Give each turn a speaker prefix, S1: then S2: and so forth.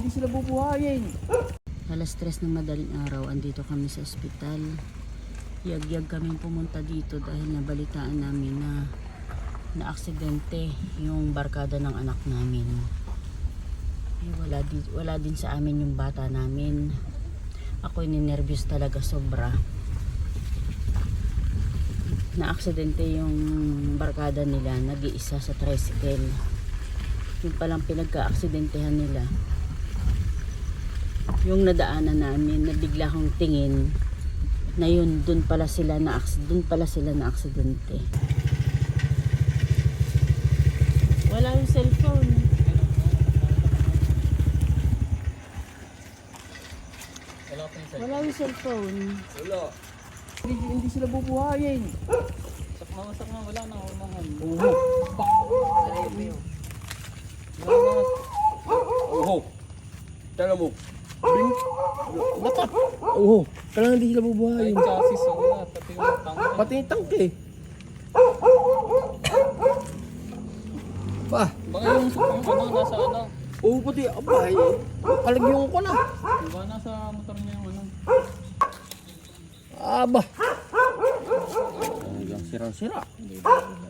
S1: hindi sila bubuhayin.
S2: Alas 3 ng madaling araw, andito kami sa ospital. Yag-yag kami pumunta dito dahil nabalitaan namin na aksidente yung barkada ng anak namin. Wala din sa amin yung bata namin. Ako'y ninervyos talaga sobra. Na-aksidente yung barkada nila, nag-iisa sa tricycle. Yung palang pinagka-aksidentehan nila. Yung nadaanan namin, nabigla akong tingin na yun, dun pala sila na aksidente. Wala yung cellphone. Wala yung cellphone.
S3: Wala.
S1: Hindi sila bubuhayin.
S3: Sakma, wala na.
S1: Uho. Tala mo.
S3: Lapat.
S1: Uho. Kailangan hindi sila
S3: Ay,
S1: bubuhayin.
S3: chassis, wala. Pati yung tangke.
S1: Pati yung tangke. Pa.
S3: Baka yung nasa ano.
S1: Oo, pati. Abay. Kalagyan ko na.
S3: Baka nasa motor niya yung ano.
S1: Aba. Hanggang sira-sira.